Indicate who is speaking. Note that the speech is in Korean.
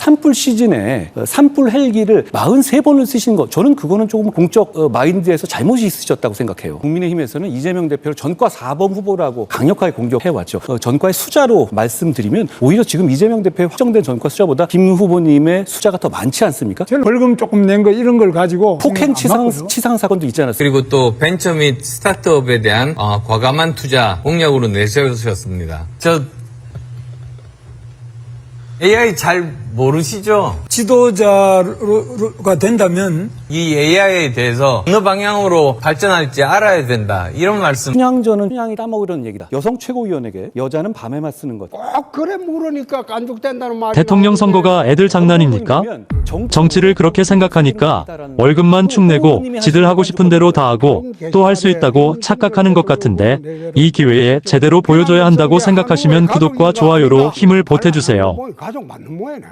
Speaker 1: 산불 시즌에 산불 헬기를 43번을 쓰신 거, 저는 그거는 조금 공적 마인드에서 잘못이 있으셨다고 생각해요. 국민의힘에서는 이재명 대표를 전과 4번 후보라고 강력하게 공격해왔죠. 전과의 수자로 말씀드리면 오히려 지금 이재명 대표의 확정된 전과 수자보다 김 후보님의 수자가 더 많지 않습니까?
Speaker 2: 벌금 조금 낸 거 이런 걸 가지고
Speaker 1: 폭행 치상 사건도 있지 않았습니까?
Speaker 3: 그리고 또 벤처 및 스타트업에 대한 과감한 투자 공약으로 내세우셨습니다. 저 AI 잘 모르시죠?
Speaker 2: 지도자가 된다면
Speaker 3: 이 AI에 대해서 어느 방향으로 발전할지 알아야 된다. 이런 말씀.
Speaker 1: 춘향전은 춘향이 따먹으려는 얘기다. 여성 최고위원에게 여자는 밤에만 쓰는 것.
Speaker 4: 꼭 그래 물으니까 깐죽된다는 말이
Speaker 5: 대통령 선거가 애들 장난입니까? 정치를 그렇게 생각하니까 월급만 축 내고 지들 하고 싶은 대로 다 하고 또 할 수 있다고 착각하는 것 같은데 이 기회에 제대로 보여줘야 한다고 생각하시면 구독과 좋아요로 힘을 보태주세요.
Speaker 4: 가족 맞는 모양이네.